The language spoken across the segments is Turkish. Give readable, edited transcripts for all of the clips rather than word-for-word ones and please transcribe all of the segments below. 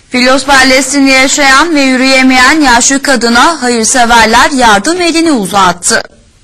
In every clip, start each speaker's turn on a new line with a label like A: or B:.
A: Filos Beldesi'nde yaşayan ve yürüyemeyen yaşlı kadına hayırseverler yardım elini uzattı.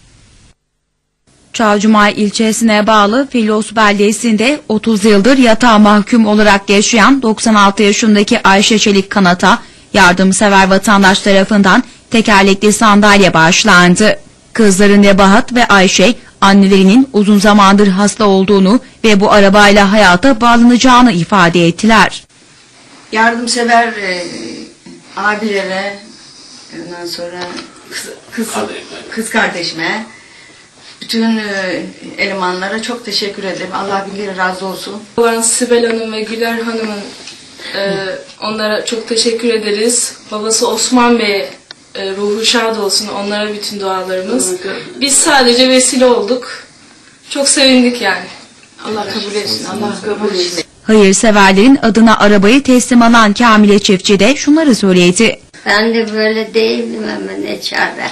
A: Çavcumay ilçesine bağlı Filos Beldesi'nde 30 yıldır yatağa mahkum olarak yaşayan 96 yaşındaki Ayşe Çelik Kanat'a yardımsever vatandaş tarafından tekerlekli sandalye bağışlandı. Kızları Nebahat ve Ayşe, annelerinin uzun zamandır hasta olduğunu ve bu arabayla hayata bağlanacağını ifade ettiler.
B: Yardımsever abilere, ondan sonra kız kardeşime, bütün elemanlara çok teşekkür ederim. Allah bilir razı olsun.
C: Olan Sibel Hanım ve Güler Hanım'ın onlara çok teşekkür ederiz. Babası Osman Bey ruhu şad olsun. Onlara bütün dualarımız. Biz sadece vesile olduk. Çok sevindik yani.
B: Allah kabul etsin. Allah kabul etsin.
A: Hayırseverlerin adına arabayı teslim alan Kamile Çiftçi de şunları söyledi.
D: Ben de böyle değildim ama ne çare.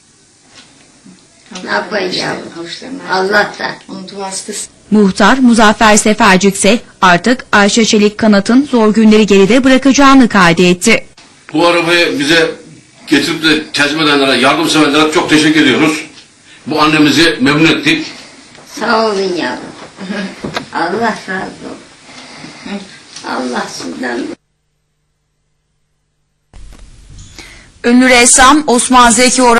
D: Ne yapayım yavrum? Allah'tan.
B: Onun duası da...
A: Muhtar Muzaffer Sefercik ise artık Ayşe Çelik Kanat'ın zor günleri geride bırakacağını kaydetti.
E: Bu arabayı bize getirip de teslim edenlere, yardımseverlere çok teşekkür ediyoruz. Bu annemizi memnun ettik.
D: Sağ olun yavrum. Allah razı olsun. Allah sizden.
A: Ünlü ressam Osman Zeki